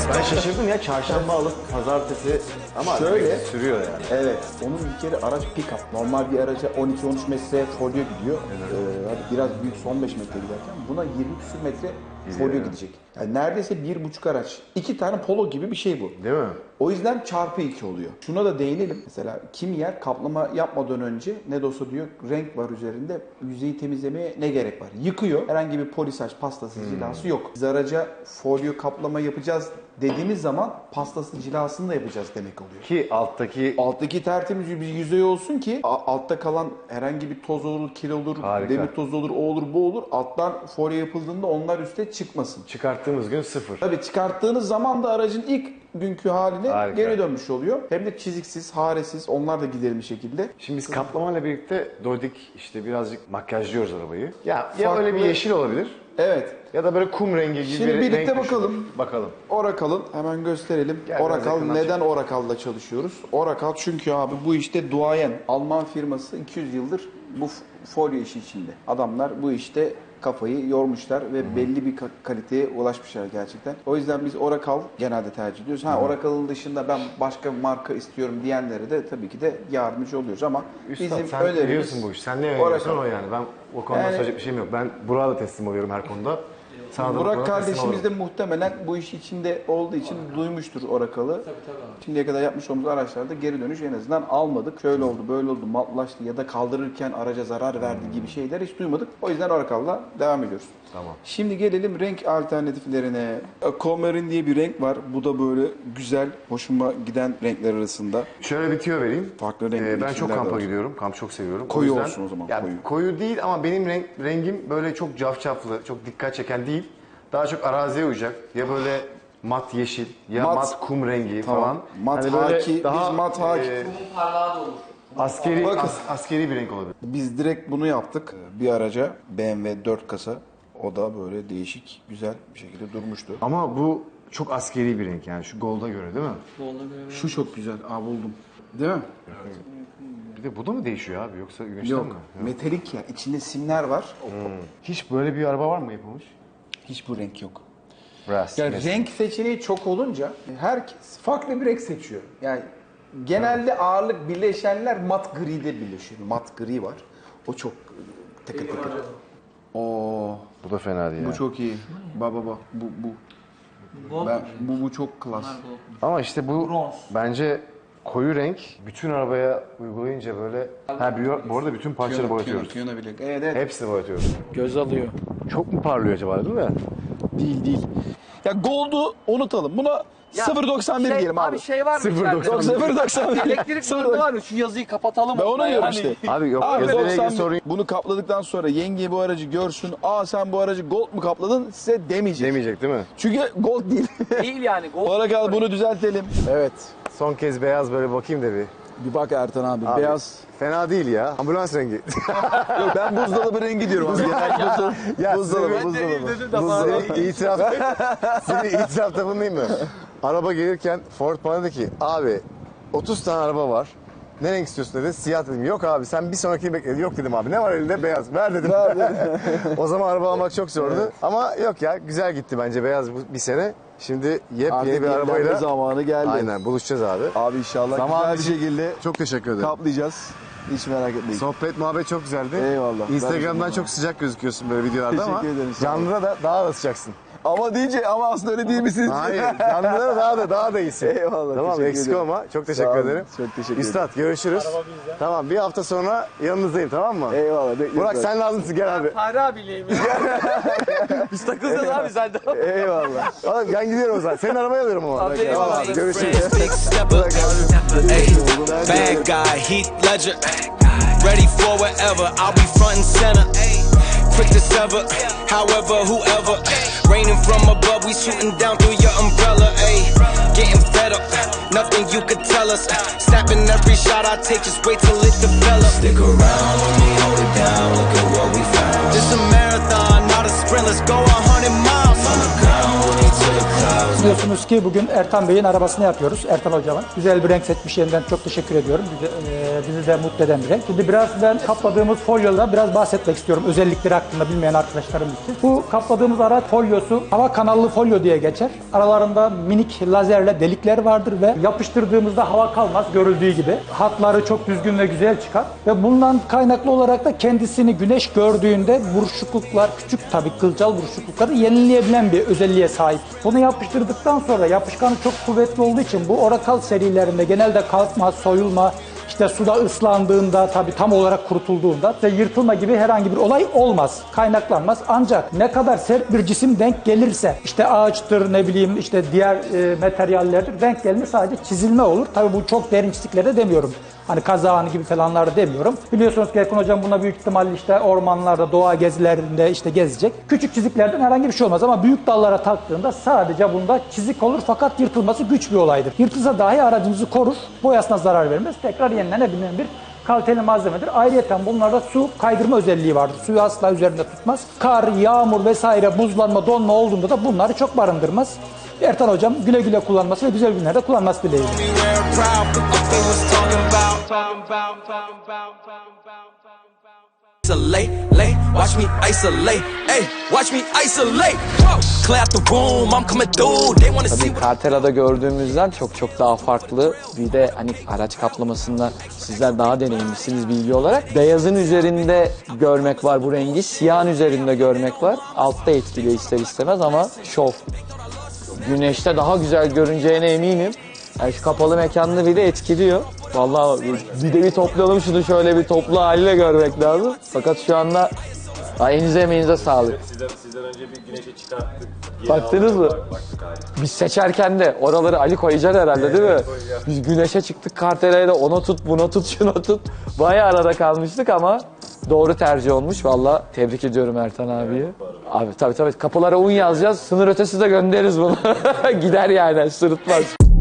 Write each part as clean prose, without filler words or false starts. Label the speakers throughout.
Speaker 1: Ben şaşırdım ya, çarşamba alıp pazartesi ama
Speaker 2: Şöyle
Speaker 1: sürüyor yani.
Speaker 2: Evet, onun bir kere araç pick-up. Normal bir araca 12-13 metre folyo gidiyor. Hadi biraz büyük 15 metre giderken buna 20 küsur metre folyo gidecek. Yani neredeyse 1,5 araç. 2 tane polo gibi bir şey bu.
Speaker 1: Değil mi?
Speaker 2: O yüzden çarpı 2 oluyor. Şuna da değinelim. Mesela kimi yer kaplama yapmadan önce ne de olsa diyor renk var üzerinde, yüzeyi temizlemeye ne gerek var? Yıkıyor. Herhangi bir polisaj, pastası, cilası yok. Biz araca folyo kaplama yapacağız dediğimiz zaman pastası, cilasını da yapacağız demek oluyor.
Speaker 1: Ki
Speaker 2: Alttaki tertemiz bir yüzey olsun ki altta kalan herhangi bir toz olur, kir olur,
Speaker 1: Harika.
Speaker 2: demir tozu olur, o olur, bu olur. Alttan folyo yapıldığında onlar üste çıkmasın.
Speaker 1: çıkarttığımız gün sıfır.
Speaker 2: Tabii çıkarttığınız zaman da aracın ilk günkü haline
Speaker 1: Harika.
Speaker 2: geri dönmüş oluyor. Hem de çiziksiz, haresiz, onlar da giderilmiş şekilde.
Speaker 1: Şimdi biz kaplamayla birlikte dodik işte birazcık makyajlıyoruz arabayı. Ya
Speaker 2: Farklı-
Speaker 1: öyle bir yeşil olabilir
Speaker 2: Evet.
Speaker 1: ya da böyle kum rengi gibi
Speaker 2: Şimdi
Speaker 1: bir
Speaker 2: birlikte
Speaker 1: renk
Speaker 2: bakalım.
Speaker 1: düşünün. Bakalım.
Speaker 2: Oracle'ın hemen gösterelim.
Speaker 1: Gel biraz
Speaker 2: Oracle,
Speaker 1: yakından
Speaker 2: neden Oracle'da çalışıyoruz? Oracle çünkü abi bu işte duayen. Alman firması 200 yıldır bu folyo işi içinde. Adamlar bu işte kafayı yormuşlar ve belli bir kaliteye ulaşmışlar gerçekten. O yüzden biz Oracle genelde tercih ediyoruz. Oracle'ın dışında ben başka bir marka istiyorum diyenlere de tabii ki de yardımcı oluyoruz ama
Speaker 1: Üstad
Speaker 2: bizim
Speaker 1: sen
Speaker 2: önerimiz
Speaker 1: biliyorsun bu işi. Sen ne öneriyorsan
Speaker 2: Oracle.
Speaker 1: o yani. Ben o konuda söyleyecek bir şeyim yok. Ben Burak'a da teslim oluyorum her konuda. Sana da bu
Speaker 2: Burak
Speaker 1: konuda teslim
Speaker 2: kardeşimiz de
Speaker 1: olurum.
Speaker 2: muhtemelen bu iş içinde olduğu için duymuştur Oracle'ı. Şimdiye kadar yapmış olduğumuz araçlarda geri dönüş en azından almadık. Şöyle oldu, böyle oldu, matlaştı ya da kaldırırken araca zarar verdi gibi şeyler hiç duymadık. O yüzden Oracle'la devam ediyoruz.
Speaker 1: Tamam.
Speaker 2: Şimdi gelelim renk alternatiflerine. Aquamarine diye bir renk var. Bu da böyle güzel, hoşuma giden renkler arasında.
Speaker 1: Şöyle bir tüyo vereyim.
Speaker 2: Farklı renkli
Speaker 1: Ben çok
Speaker 2: içimler de
Speaker 1: kampa
Speaker 2: var.
Speaker 1: gidiyorum. Kamp çok seviyorum.
Speaker 2: Koyu
Speaker 1: yüzden-
Speaker 2: olsun o zaman,
Speaker 1: Ya,
Speaker 2: koyu.
Speaker 1: koyu değil ama benim rengim böyle çok cafcaflı, çok dikkat çeken değil. Daha çok araziye uyacak. Ya böyle mat yeşil ya mat kum rengi
Speaker 2: Tamam.
Speaker 1: falan.
Speaker 2: Mat
Speaker 1: Hani böyle
Speaker 2: haki, biz mat haki.
Speaker 3: Parlağı da olur.
Speaker 1: askeri
Speaker 2: Bakın.
Speaker 1: askeri bir renk olabilir.
Speaker 2: Biz direkt bunu yaptık. Bir araca BMW 4 kasa. O da böyle değişik, güzel bir şekilde durmuştu.
Speaker 1: Ama bu çok askeri bir renk yani şu golda göre değil mi?
Speaker 3: Bolda göre.
Speaker 2: Şu çok güzel. Buldum. Değil mi?
Speaker 1: Bir de bu da mı değişiyor abi yoksa güneşten
Speaker 2: Yok.
Speaker 1: mi?
Speaker 2: Metalik ya. İçinde simler var.
Speaker 1: Hiç böyle bir araba var mı yapılmış?
Speaker 2: Hiç bu renk yok.
Speaker 1: Brass.
Speaker 2: Yani renk seçeneği çok olunca herkes farklı bir renk seçiyor. Yani genelde ağırlık birleşenler mat gri'de birleşiyor. Mat gri var. O çok tıkır tıkır. Oo,
Speaker 1: Bu da fena değil.
Speaker 2: bu
Speaker 1: yani.
Speaker 2: çok iyi. Baba.
Speaker 3: Gold
Speaker 2: Bu çok klas.
Speaker 1: Ama işte bu
Speaker 3: Bronz.
Speaker 1: bence koyu renk bütün arabaya uygulayınca böyle... bu arada bütün parçaları boyatıyoruz.
Speaker 2: Piyano bile. Evet.
Speaker 1: Hepsini boyatıyoruz.
Speaker 3: göz alıyor.
Speaker 1: Çok mu parlıyor acaba değil mi?
Speaker 2: Değil. Ya Gold'u unutalım. Buna 0.91 diyelim abi.
Speaker 3: Şey var mı?
Speaker 2: 0.91.
Speaker 3: Elektrik sorunu var mı? Şu yazıyı kapatalım.
Speaker 2: Ben onu diyorum
Speaker 3: Yani
Speaker 2: işte.
Speaker 1: Abi yok
Speaker 2: Abi
Speaker 1: yazıyla ilgili
Speaker 2: 91
Speaker 1: sorun
Speaker 2: bunu kapladıktan sonra yenge bu aracı görsün. Sen bu aracı gold mu kapladın? Size demeyecek.
Speaker 1: demeyecek değil mi?
Speaker 2: Çünkü gold değil.
Speaker 3: Değil yani. Gold.
Speaker 2: Oracle bunu düzeltelim. Evet.
Speaker 1: Son kez beyaz böyle bakayım da bir.
Speaker 2: Bir bak Ertan abi.
Speaker 1: Abi,
Speaker 2: Beyaz.
Speaker 1: Fena değil ya. Ambulans rengi.
Speaker 2: Yok ben buzdolabı rengi diyorum abi.
Speaker 1: ya
Speaker 2: Buzdolabı.
Speaker 1: İtiraf. Senin itirafta bulunayım mı? Araba gelirken Ford bana dedi ki abi 30 tane araba var. Ne renk istiyorsun dedi. Siyah dedim. Yok abi sen bir sonrakini bekle. Yok dedim abi. Ne var elinde? Beyaz. Ver dedim. O zaman araba almak çok zordu. Ama yok ya güzel gitti bence beyaz bir sene. Şimdi yepyeni bir arabayla
Speaker 2: zamanı geldi.
Speaker 1: aynen buluşacağız abi.
Speaker 2: Abi inşallah
Speaker 1: Zaman
Speaker 2: güzel bir şekilde
Speaker 1: Çok teşekkür ederim.
Speaker 2: kaplayacağız. Hiç merak etmeyin.
Speaker 1: Sohbet muhabbet çok güzeldi.
Speaker 2: Eyvallah.
Speaker 1: Instagram'dan çok sıcak gözüküyorsun böyle videolarda ama
Speaker 2: Teşekkür ederim, sağ
Speaker 1: canlıda da daha da sıcaksın.
Speaker 2: Ama aslında öyle değil misiniz?
Speaker 1: Hayır, canlıda da daha da iyisin.
Speaker 2: Eyvallah,
Speaker 1: Tamam,
Speaker 2: teşekkür
Speaker 1: eksik
Speaker 2: ederim.
Speaker 1: olma. Çok
Speaker 2: Sağ
Speaker 1: teşekkür
Speaker 2: olun,
Speaker 1: ederim.
Speaker 2: çok teşekkür ederim.
Speaker 1: Üstad görüşürüz. Tamam, bir hafta sonra yanınızdayım tamam mı?
Speaker 2: Eyvallah. bekliyoruz
Speaker 1: Burak
Speaker 2: abi.
Speaker 1: sen lazımsın gel abi.
Speaker 3: Fare abiyleyim. Biz takılacağız abi sen de.
Speaker 2: Eyvallah.
Speaker 1: Oğlum ben gidiyorum o zaman. Senin arabayı alıyorum ama.
Speaker 3: Abi,
Speaker 1: Tamam
Speaker 3: eyvallah.
Speaker 1: abi görüşürüz.
Speaker 4: Big stepper, ayy, bad guy, Heath Ledger. Ready for whatever, I'll be front and center. Quick to sever, however, whoever. Raining from above, we shooting down through your umbrella. Ayy, getting fed up, nothing you could tell us. Snapping every shot I take, just wait till it develops. Stick around, let me hold it down. Look at what we found. This a marathon, not a sprint. Let's go 100 miles. On the ground, way to the clouds.
Speaker 5: Biliyorsunuz ki bugün Ertan Bey'in arabasını yapıyoruz. Ertan hocamın. Güzel bir renk seçmiş, yeniden çok teşekkür ediyorum. Bizi de mutlu eden bir renk. Şimdi biraz ben kapladığımız folyoda biraz bahsetmek istiyorum. Özellikleri hakkında bilmeyen arkadaşlarımız için. Bu kapladığımız araç folyosu hava kanallı folyo diye geçer. Aralarında minik lazerle delikler vardır ve yapıştırdığımızda hava kalmaz görüldüğü gibi. Hatları çok düzgün ve güzel çıkar. Ve bundan kaynaklı olarak da kendisini güneş gördüğünde buruşukluklar, küçük tabii kılcal buruşuklukları yenileyebilen bir özelliğe sahip. Bunu yapıştırdıktan sonra yapışkanı çok kuvvetli olduğu için bu Oracle serilerinde genelde kalkma, soyulma, İşte suda ıslandığında, tabii tam olarak kurutulduğunda yırtılma gibi herhangi bir olay olmaz, kaynaklanmaz. Ancak ne kadar sert bir cisim denk gelirse, işte ağaçtır, ne bileyim işte diğer materyallerdir, denk gelme sadece çizilme olur. Tabii bu çok derin çiziklerde demiyorum. Hani kazağın gibi falanlarda demiyorum. Biliyorsunuz ki Erkan Hocam buna büyük ihtimalle işte ormanlarda, doğa gezilerinde işte gezecek. Küçük çiziklerden herhangi bir şey olmaz ama büyük dallara taktığında sadece bunda çizik olur fakat yırtılması güç bir olaydır. Yırtılsa dahi aracınızı korur, boyasına zarar vermez. Tekrar yenilenebilen bir kaliteli malzemedir. Ayrıca bunlarda su kaydırma özelliği vardır. Suyu asla üzerinde tutmaz. Kar, yağmur vesaire, buzlanma, donma olduğunda da bunları çok barındırmaz. Ertan Hocam güle güle kullanması ve güzel günlerde kullanması dileğiyle.
Speaker 4: Watch me isolate, hey, watch me isolate. Clear out the room, I'm coming through. They wanna see.
Speaker 3: Tabii Cartera'da gördüğümüzden çok daha farklı. Bir de hani araç kaplamasında sizler daha deneyimlisiniz bilgi olarak. Beyazın üzerinde görmek var bu rengi, siyahın üzerinde görmek var. Altta etkiliyor ister istemez ama şov. Güneşte daha güzel görüneceğine eminim. Yani şu kapalı mekanda bile etkiliyor. Vallahi bir de bir toplayalım şunu, şöyle bir toplu haliyle görmek lazım. Fakat şu anda elinize emeğinize sağlık.
Speaker 6: Sizden önce bir güneşe çıkarttık.
Speaker 3: Baktınız mı? Biz seçerken de oraları Ali koyacaksın herhalde değil mi? Biz güneşe çıktık, Cartera'ya da ona tut, buna tut, şuna tut. Bayağı arada kalmıştık ama doğru tercih olmuş. Vallahi tebrik ediyorum Ertan abiyi. Abi tabii kapılara un yazacağız. Sınır ötesi de göndeririz bunu. Gider yani, sırıtmaz.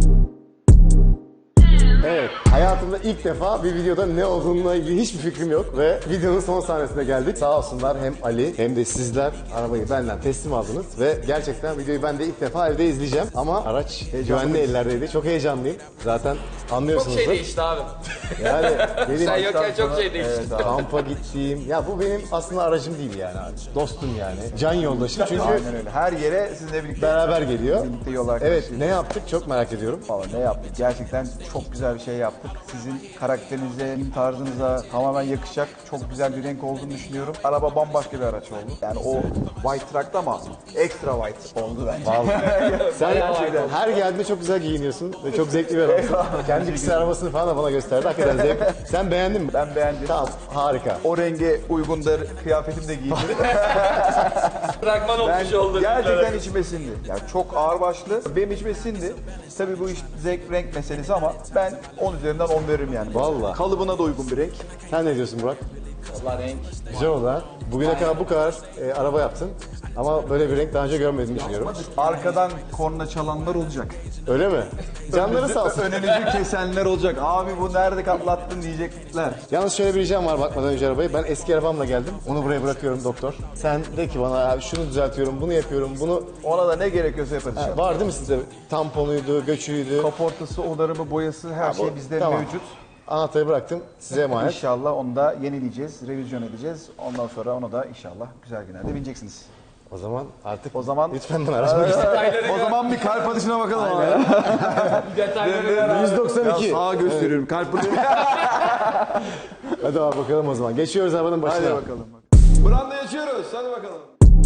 Speaker 1: Evet, hayatımda ilk defa bir videoda ne olduğuna ilgili hiçbir fikrim yok ve videonun son sahnesine geldik. Sağ olsunlar hem Ali hem de sizler arabayı benden teslim aldınız ve gerçekten videoyu ben de ilk defa evde izleyeceğim. Ama araç güvenli ellerdeydi. Çok heyecanlıyım. Zaten anlıyorsunuzdur.
Speaker 3: Çok şey değişti abi.
Speaker 1: Yani benim
Speaker 3: Sen yokken çok şey değişti.
Speaker 1: kampa gittiğim, ya bu benim aslında aracım değil yani abi. Dostum yani. Can yoldaşım çünkü
Speaker 2: Aynen öyle. Her yere sizinle birlikte
Speaker 1: beraber geliyor.
Speaker 2: birlikte yol arkadaşıyız.
Speaker 1: Evet, ne yaptık çok merak ediyorum.
Speaker 2: Falan ne yaptık? Gerçekten çok güzel bir şey yaptık. Sizin karakterinize, tarzınıza tamamen yakışacak çok güzel bir renk olduğunu düşünüyorum. Araba bambaşka bir araç oldu. Yani o white truck'ta ama extra white oldu bence.
Speaker 1: Vallahi. Sen her geldiğinde çok güzel giyiniyorsun ve çok zevkli bir adamsın. Kendi kişisel arabasını falan da bana gösterdi. Hakikaten zevk. Sen beğendin mi?
Speaker 2: Ben beğendim.
Speaker 1: Tamam, harika.
Speaker 2: O renge uygundur, kıyafetim de giydim.
Speaker 3: Fragman olmuş
Speaker 2: Ben
Speaker 3: oldu.
Speaker 2: gerçekten içime sindi. Yani çok ağırbaşlı. Benim içime sindi. Tabii bu iş zevk renk meselesi ama ben 10 üzerinden 10 veririm yani.
Speaker 1: Vallahi.
Speaker 2: Kalıbına da uygun bir renk.
Speaker 1: Sen ne diyorsun Burak?
Speaker 3: Vallahi renk.
Speaker 1: Güzel oldu ha. Bugüne kadar bu kadar araba yaptın. Ama böyle bir renk daha önce görmediğimi düşünüyorum.
Speaker 2: Arkadan korna çalanlar olacak.
Speaker 1: Öyle mi? Canları sağ olsun.
Speaker 2: Önünüzü kesenler olacak. Abi bu nerede katlattın diyecekler.
Speaker 1: Yalnız şöyle bir ricam var bakmadan önce arabayı. Ben eski arabamla geldim. Onu buraya bırakıyorum doktor. Sen de ki bana abi şunu düzeltiyorum, bunu yapıyorum, bunu...
Speaker 2: Ona da ne gerekiyorsa yaparız.
Speaker 1: Ha, var değil mi sizde? Tamponuydu, göçüydü.
Speaker 2: Kaportası, odarımı, boyası her şey bizde
Speaker 1: Tamam.
Speaker 2: mevcut.
Speaker 1: Anahtarı bıraktım. Size emanet.
Speaker 2: İnşallah onu da yenileyeceğiz, revizyon edeceğiz. Ondan sonra onu da inşallah güzel günlerde bineceksiniz.
Speaker 1: O zaman artık
Speaker 2: O zaman
Speaker 1: lütfen bana araçmak istedim.
Speaker 2: o zaman bir kalp atışına bakalım.
Speaker 3: Detayları
Speaker 1: 192.
Speaker 2: Sağa gösteriyorum kalp atışı.
Speaker 1: Hadi abi bakalım o zaman. Geçiyoruz arabanın başına.
Speaker 2: Hadi bakalım. Branda yaşıyoruz. Hadi bakalım.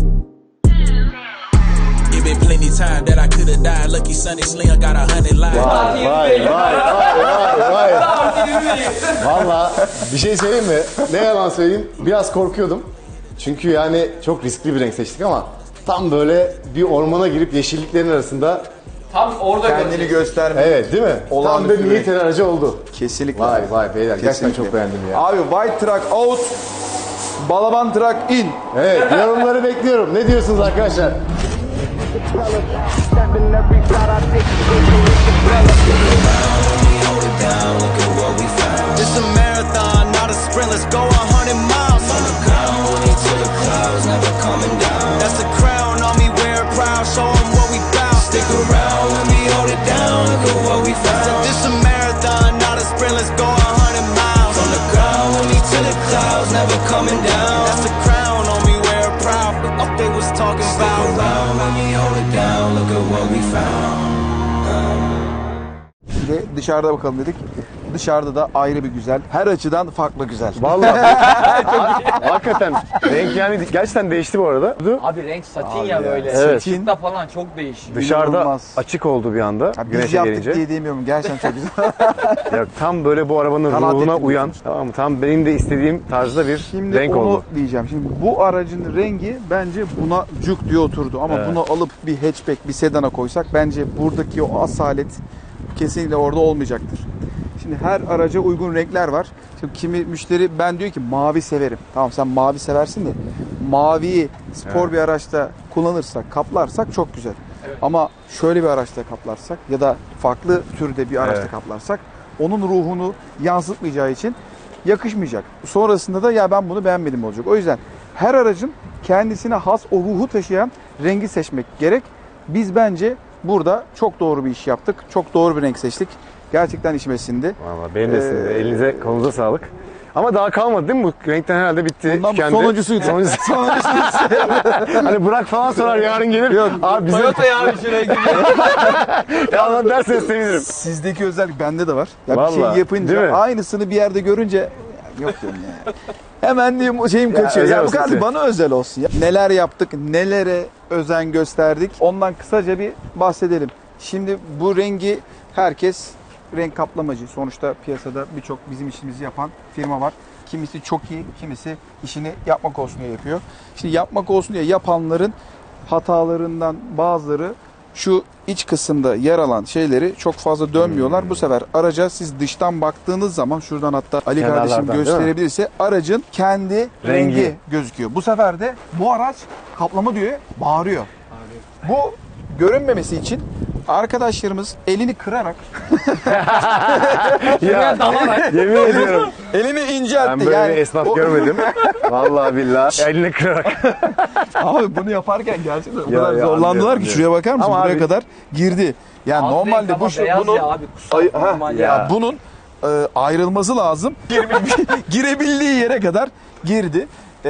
Speaker 4: It been plenty time that I coulda died. Lucky Sonny Slinger got 100 lives.
Speaker 1: Vay. Valla bir şey söyleyeyim mi? Ne yalan söyleyeyim. Biraz korkuyordum. Çünkü yani çok riskli bir renk seçtik ama tam böyle bir ormana girip yeşilliklerin arasında
Speaker 3: tam orada
Speaker 2: Kendini gösterme.
Speaker 1: evet değil mi? Tam
Speaker 2: Olağanüstü
Speaker 1: bir
Speaker 2: bir
Speaker 1: niyet aracı oldu.
Speaker 2: Kesinlikle.
Speaker 1: Vay beyler gerçekten
Speaker 2: Kesinlikle.
Speaker 1: çok beğendim ya.
Speaker 2: Abi white truck out, balaban truck in.
Speaker 1: Evet yorumları bekliyorum. Ne diyorsunuz arkadaşlar?
Speaker 4: It's a marathon, not a sprint. Let's go 100 miles. On the ground, money to the clouds, never coming down. That's the crown on me, wear it proud. Show 'em what we bout. Stick Look around, let me hold it down. Look at what we found. Said this a marathon, not a sprint. Let's go 100 miles. From the ground with me to the clouds, never coming down. That's the crown on me, wear it proud. But up they was talking about. Look around, let me hold it down. Look at what we found.
Speaker 2: Bir de dışarıda bakalım dedik. Dışarıda da ayrı bir güzel. Her açıdan farklı güzel.
Speaker 1: Vallahi hakikaten renk yani gerçekten değişti bu arada.
Speaker 3: Abi renk satin ya böyle.
Speaker 1: Evet.
Speaker 3: Işıkta falan çok değişik.
Speaker 1: Dışarıda
Speaker 2: İnanılmaz.
Speaker 1: açık oldu bir anda
Speaker 2: Ya biz
Speaker 1: güneşe
Speaker 2: yaptık
Speaker 1: gelince.
Speaker 2: diye diyemiyorum. Gerçekten çok güzel.
Speaker 1: Ya tam böyle bu arabanın
Speaker 2: Kanaat
Speaker 1: ruhuna
Speaker 2: ettim
Speaker 1: uyan, tamam mı? Tam benim de istediğim tarzda bir
Speaker 2: Şimdi
Speaker 1: renk
Speaker 2: onu
Speaker 1: oldu.
Speaker 2: diyeceğim. Şimdi bu aracın rengi bence buna cuk diye oturdu. Ama bunu alıp bir hatchback, bir sedana koysak bence buradaki o asalet kesinlikle orada olmayacaktır. Şimdi her araca uygun renkler var. Şimdi kimi müşteri ben diyor ki mavi severim. Tamam sen mavi seversin de maviyi spor bir araçta kullanırsak, kaplarsak çok güzel. Ama şöyle bir araçta kaplarsak ya da farklı türde bir araçta
Speaker 1: Evet.
Speaker 2: kaplarsak onun ruhunu yansıtmayacağı için yakışmayacak. Sonrasında da ya ben bunu beğenmedim olacak. O yüzden her aracın kendisine has o ruhu taşıyan rengi seçmek gerek. Biz bence burada çok doğru bir iş yaptık. Çok doğru bir renk seçtik. Gerçekten içime sindi.
Speaker 1: Vallahi benim de sizin de. Elinize kolunuza sağlık. Ama daha kalmadı değil mi? Bu renkten herhalde bitti.
Speaker 2: Bundan bu
Speaker 1: tükendi.
Speaker 2: sonuncusuydu.
Speaker 1: Hani Burak falan sorar yarın gelir.
Speaker 2: Yok.
Speaker 1: Abi bize
Speaker 3: ya bir şuraya
Speaker 1: yalan derseniz sevinirim.
Speaker 2: Sizdeki özellik bende de var. Ya bir
Speaker 1: Vallahi,
Speaker 2: şey
Speaker 1: değil mi?
Speaker 2: yapınca aynısını bir yerde görünce yok diyorum ya. Hemen diyeyim şeyim kaçıyor.
Speaker 1: özel
Speaker 2: Ya bu
Speaker 1: olsun
Speaker 2: kadar
Speaker 1: size.
Speaker 2: bana özel olsun ya. Neler yaptık, nelere özen gösterdik. Ondan kısaca bir bahsedelim. Şimdi bu rengi herkes renk kaplamacı. Sonuçta piyasada birçok bizim işimizi yapan firma var. Kimisi çok iyi, kimisi işini yapmak olsun diye yapıyor. Şimdi yapmak olsun diye yapanların hatalarından bazıları şu iç kısımda yer alan şeyleri çok fazla dönmüyorlar. Bu sefer araca siz dıştan baktığınız zaman şuradan hatta Ali kardeşim
Speaker 1: Kenarlardan, değil mi?
Speaker 2: gösterebilirse aracın kendi rengi gözüküyor. Bu sefer de bu araç kaplama diyor, bağırıyor. Bu görünmemesi için arkadaşlarımız elini kırarak
Speaker 1: Ya, yemin ediyorum.
Speaker 2: elini inceltti.
Speaker 1: Ben böyle
Speaker 2: yani
Speaker 1: bir esnaf
Speaker 2: o-
Speaker 1: görmedim. Vallahi billahi. Elini kırarak.
Speaker 2: Abi bunu yaparken gerçekten o
Speaker 1: Ya,
Speaker 2: kadar
Speaker 1: ya,
Speaker 2: zorlandılar
Speaker 1: anlıyorum,
Speaker 2: ki şuraya bakar mısın?
Speaker 1: Ama
Speaker 2: Buraya
Speaker 1: abi-
Speaker 2: kadar girdi. Yani normalde bu bunun
Speaker 3: abi kutsal
Speaker 2: Ay,
Speaker 3: normal
Speaker 1: ya.
Speaker 3: ya.
Speaker 2: bunun ayrılması lazım. Girebildiği yere kadar girdi.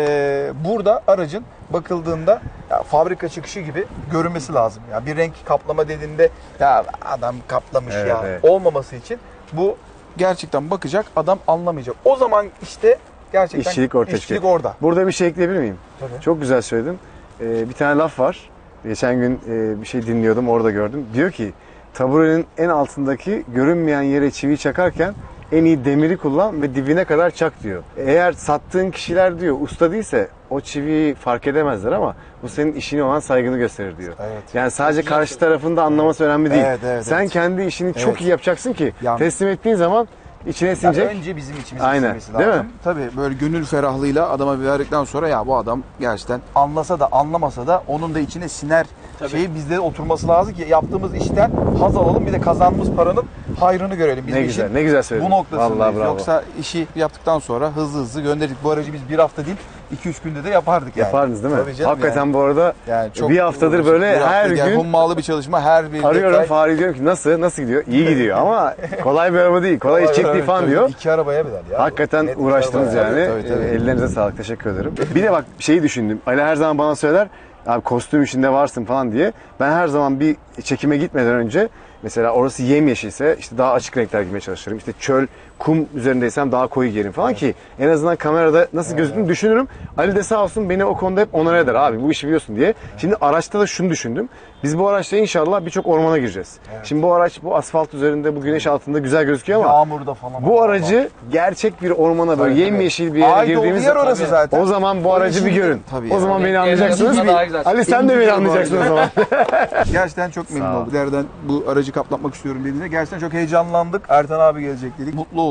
Speaker 2: Burada aracın bakıldığında ya, fabrika çıkışı gibi görünmesi lazım. Ya bir renk kaplama dediğinde ya adam kaplamış
Speaker 1: Evet,
Speaker 2: ya
Speaker 1: evet.
Speaker 2: olmaması için bu gerçekten bakacak adam anlamayacak. O zaman işte gerçekten
Speaker 1: İşçilik ortaya
Speaker 2: işçilik
Speaker 1: çıkıyor.
Speaker 2: orada.
Speaker 1: Burada bir şey ekleyebilir miyim?
Speaker 2: Tabii.
Speaker 1: Çok güzel söyledin. Bir tane laf var. Geçen gün bir şey dinliyordum, orada gördüm. Diyor ki, taburenin en altındaki görünmeyen yere çivi çakarken en iyi demiri kullan ve dibine kadar çak diyor. Eğer sattığın kişiler diyor usta değilse o çiviyi fark edemezler ama bu senin işine olan saygını gösterir diyor.
Speaker 2: Evet.
Speaker 1: Yani sadece karşı tarafın da anlaması önemli değil.
Speaker 2: Evet, evet,
Speaker 1: Sen
Speaker 2: evet.
Speaker 1: kendi işini çok
Speaker 2: Evet.
Speaker 1: iyi yapacaksın ki
Speaker 2: Ya-
Speaker 1: teslim ettiğin zaman içine
Speaker 2: Yani
Speaker 1: sinecek.
Speaker 2: önce bizim içimiz
Speaker 1: Aynen,
Speaker 2: sinmesi
Speaker 1: değil
Speaker 2: lazım.
Speaker 1: mi?
Speaker 2: Tabii böyle gönül ferahlığıyla adama verdikten sonra ya bu adam gerçekten anlasa da anlamasa da onun da içine siner şeyi bizde oturması lazım ki yaptığımız işten haz alalım bir de kazandığımız paranın hayrını görelim. Biz
Speaker 1: Ne
Speaker 2: bu
Speaker 1: güzel,
Speaker 2: işin
Speaker 1: ne güzel söyledin.
Speaker 2: bu noktasındayız.
Speaker 1: Vallahi bravo.
Speaker 2: Yoksa işi yaptıktan sonra hızlı gönderdik. Bu aracı biz bir hafta değil 2-3 günde de yapardık yani.
Speaker 1: Yapardınız değil mi?
Speaker 2: Tabii canım
Speaker 1: Hakikaten
Speaker 2: yani.
Speaker 1: bu arada
Speaker 2: Yani çok
Speaker 1: bir haftadır
Speaker 2: uğraştık.
Speaker 1: böyle
Speaker 2: Bir hafta
Speaker 1: her
Speaker 2: yani
Speaker 1: gün
Speaker 2: hummalı bir çalışma her bir
Speaker 1: arıyorum
Speaker 2: detay.
Speaker 1: Fahri, diyorum ki nasıl gidiyor? İyi gidiyor ama kolay bir araba değil. Kolay iş çektiği falan
Speaker 2: Tabii,
Speaker 1: diyor.
Speaker 2: 2 arabaya bedel ya.
Speaker 1: Hakikaten
Speaker 2: Net iki
Speaker 1: uğraştınız
Speaker 2: arabaya.
Speaker 1: yani.
Speaker 2: Tabii.
Speaker 1: Ellerinize sağlık. Teşekkür ederim. Bir de bak şeyi düşündüm. Ali her zaman bana söyler. Abi kostüm içinde varsın falan diye. Ben her zaman bir çekime gitmeden önce mesela orası yemyeşilse işte daha açık renkler giymeye çalışırım. İşte çöl, kum üzerindeysem daha koyu giyerim falan ki en azından kamerada nasıl gözüktüğünü düşünürüm. Ali de sağ olsun beni o konuda hep onar eder abi bu işi biliyorsun diye. Şimdi araçta da şunu düşündüm. Biz bu araçla inşallah birçok ormana gireceğiz. Şimdi bu araç bu asfalt üzerinde bu güneş altında güzel gözüküyor ama
Speaker 2: Yağmurda falan.
Speaker 1: bu aracı gerçek bir ormana böyle
Speaker 2: Tabii,
Speaker 1: yemyeşil bir yere
Speaker 2: Ait olduğu
Speaker 1: girdiğimiz
Speaker 2: yer orası zaten.
Speaker 1: o zaman bu
Speaker 2: O
Speaker 1: aracı bir
Speaker 2: işin-
Speaker 1: görün.
Speaker 2: Tabii
Speaker 1: o zaman
Speaker 2: yani.
Speaker 1: beni anlayacaksınız.
Speaker 3: Yazın daha güzel.
Speaker 1: Ali sen de beni
Speaker 2: İnci
Speaker 1: anlayacaksın o
Speaker 2: bu
Speaker 1: zaman.
Speaker 2: Gerçekten çok memnun
Speaker 1: Sağ ol.
Speaker 2: olduk. Nereden bu aracı kaplatmak istiyorum dediğinde gerçekten çok heyecanlandık. Ertan abi gelecek dedik. Mutlu olduk.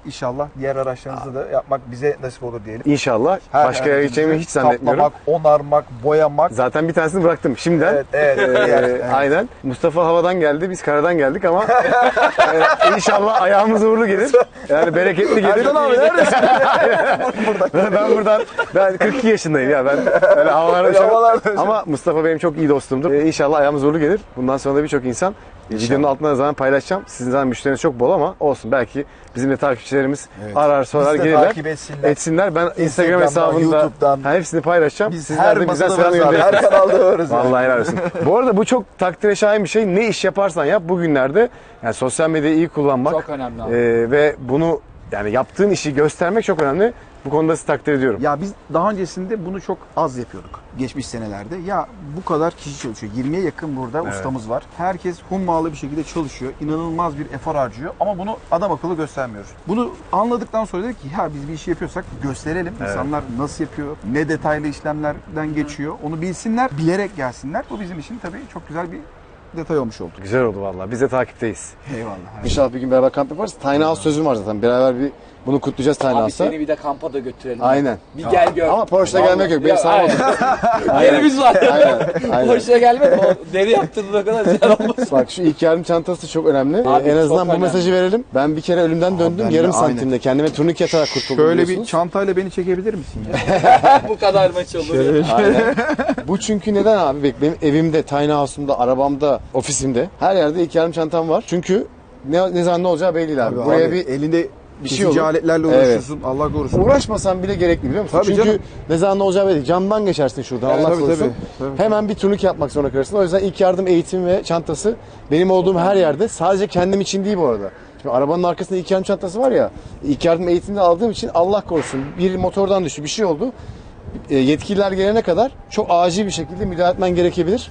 Speaker 2: İnşallah diğer araçlarınızda da yapmak bize nasip olur diyelim.
Speaker 1: İnşallah. Başka yere gideceğimi hiç zannetmiyorum.
Speaker 2: Kaplamak, onarmak, boyamak.
Speaker 1: Zaten bir tanesini bıraktım şimdiden.
Speaker 2: Evet.
Speaker 1: Aynen. Mustafa havadan geldi, biz karadan geldik ama inşallah ayağımız uğurlu gelir. Yani bereketli gelir.
Speaker 2: Erkan abi neredesin?
Speaker 1: Ben 42 yaşındayım ya, ben öyle havalarda uçamam. Ama Mustafa benim çok iyi dostumdur. İnşallah ayağımız uğurlu gelir. Bundan sonra da birçok insan videonun altına da zaman paylaşacağım. Sizin zaten müşteriniz çok bol ama olsun, belki bizim de takipçilerimiz arar sorar
Speaker 2: Bizi de
Speaker 1: gelirler.
Speaker 2: takip etsinler.
Speaker 1: Ben Instagram
Speaker 2: Instagram'dan,
Speaker 1: hesabında
Speaker 2: YouTube'dan.
Speaker 1: hepsini paylaşacağım.
Speaker 2: Biz
Speaker 1: Sizler
Speaker 2: her
Speaker 1: de bizden
Speaker 2: masada
Speaker 1: selam
Speaker 2: varız abi. Her
Speaker 1: gönderirsiniz.
Speaker 2: kanalda varız.
Speaker 1: Vallahi helal olsun. Bu arada bu çok takdire şayan bir şey. Ne iş yaparsan yap bugünlerde, yani sosyal medyayı iyi kullanmak
Speaker 3: Çok önemli abi.
Speaker 1: ve bunu, yani yaptığın işi göstermek çok önemli. Bu konuda sizi takdir ediyorum.
Speaker 2: Ya biz daha öncesinde bunu çok az yapıyorduk. Geçmiş senelerde. Ya bu kadar kişi çalışıyor. 20'ye yakın burada ustamız var. Herkes hummalı bir şekilde çalışıyor. İnanılmaz bir efor harcıyor. Ama bunu adam akıllı göstermiyoruz. Bunu anladıktan sonra dedik ki ya biz bir işi yapıyorsak gösterelim. İnsanlar nasıl yapıyor, ne detaylı işlemlerden geçiyor. Onu bilsinler, bilerek gelsinler. Bu bizim için tabii çok güzel bir detay olmuş oldu.
Speaker 1: Güzel oldu vallahi. Biz de takipteyiz.
Speaker 2: Eyvallah.
Speaker 1: İnşallah bir gün beraber kamp yaparız. Tiny House sözüm var zaten. Beraber bunu kutlayacağız Tiny
Speaker 3: Abi
Speaker 1: House'ta.
Speaker 3: seni bir de kampa da götürelim.
Speaker 1: Aynen.
Speaker 3: Bir gel gör.
Speaker 1: Ama Porsche'da gelmek yok. Beni sağlamadı.
Speaker 3: Yerimiz var.
Speaker 1: Aynen.
Speaker 3: Porsche'ya gelmedi. O deri yaptırdığın o kadar güzel olmasın.
Speaker 1: Bak şu ilk yardım çantası çok önemli.
Speaker 3: Abi,
Speaker 1: En azından
Speaker 3: çok
Speaker 1: bu
Speaker 3: önemli.
Speaker 1: mesajı verelim. Ben bir kere ölümden döndüm.
Speaker 2: ben de
Speaker 1: Yarım
Speaker 2: aynen.
Speaker 1: santimde kendime turnike atarak kurtuldum
Speaker 2: Şöyle bir
Speaker 1: biliyorsunuz.
Speaker 2: çantayla beni çekebilir misin ya?
Speaker 3: Bu kadar maç olur ya.
Speaker 1: Aynen. Bu çünkü neden abi? Bak, benim evimde, tiny house'umda, arabamda, ofisimde her yerde ilk yardım çantam var. Çünkü ne zaman ne olacağı belli değil abi. Buraya bir
Speaker 2: elinde
Speaker 1: bir şey
Speaker 2: kesici
Speaker 1: olur.
Speaker 2: aletlerle uğraşıyorsun. Allah korusun.
Speaker 1: uğraşmasan bile gerekli, biliyor musun?
Speaker 2: Tabii
Speaker 1: Çünkü
Speaker 2: canım.
Speaker 1: ne zaman ne olacağı belli değil. Camdan geçersin şuradan, Allah
Speaker 2: tabii,
Speaker 1: korusun.
Speaker 2: tabii.
Speaker 1: Hemen bir turnike yapmak zorunda kalırsın. O yüzden ilk yardım eğitimi ve çantası benim olduğum her yerde, sadece kendim için değil bu arada. Şimdi arabanın arkasında ilk yardım çantası var ya, ilk yardım eğitimini aldığım için Allah korusun bir motordan düştü, bir şey oldu. Yetkililer gelene kadar çok acil bir şekilde müdahale etmen gerekebilir.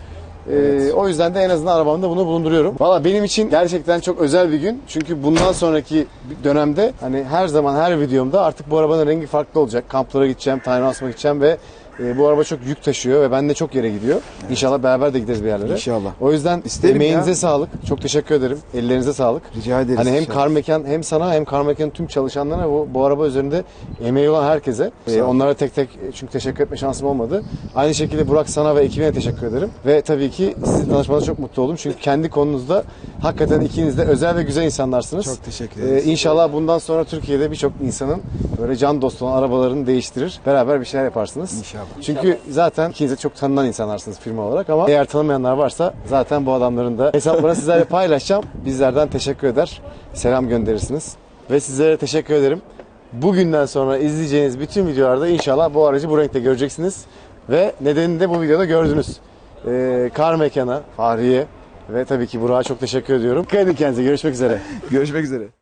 Speaker 1: O yüzden de en azından arabamda bunu bulunduruyorum. Valla benim için gerçekten çok özel bir gün. Çünkü bundan sonraki dönemde hani her zaman her videomda artık bu arabanın rengi farklı olacak. Kamplara gideceğim, tiny house'ma gideceğim ve bu araba çok yük taşıyor ve ben de çok yere gidiyor. Evet. İnşallah beraber de gideriz bir yerlere.
Speaker 2: İnşallah.
Speaker 1: O yüzden
Speaker 2: İsterim
Speaker 1: emeğinize
Speaker 2: ya.
Speaker 1: sağlık. Çok teşekkür ederim. Ellerinize sağlık.
Speaker 2: Rica ederiz.
Speaker 1: Hani hem
Speaker 2: İnşallah.
Speaker 1: Car Mekan, hem sana hem Car Mekan'ın tüm çalışanlarına, bu araba üzerinde emeği olan herkese. Onlara tek tek çünkü teşekkür etme şansım olmadı. Aynı şekilde Burak, sana ve ekibine teşekkür ederim. Ve tabii ki sizinle tanışmanıza çok mutlu oldum. Çünkü kendi konunuzda hakikaten ikiniz de özel ve güzel insanlarsınız.
Speaker 2: Çok teşekkür ederiz.
Speaker 1: İnşallah bundan sonra Türkiye'de birçok insanın böyle can dostu olan arabalarını değiştirir. Beraber bir şeyler yaparsınız.
Speaker 2: İnşallah.
Speaker 1: Çünkü zaten ikiniz de çok tanınan insanlarsınız firma olarak, ama eğer tanımayanlar varsa zaten bu adamların da hesaplarını sizlerle paylaşacağım. Bizlerden teşekkür eder, selam gönderirsiniz. Ve sizlere teşekkür ederim. Bugünden sonra izleyeceğiniz bütün videolarda inşallah bu aracı bu renkte göreceksiniz. Ve nedenini de bu videoda gördünüz. Car Mekan'a, Fahriye ve tabii ki Burak'a çok teşekkür ediyorum. Dikkat edin kendinize. Görüşmek üzere.
Speaker 2: Görüşmek üzere.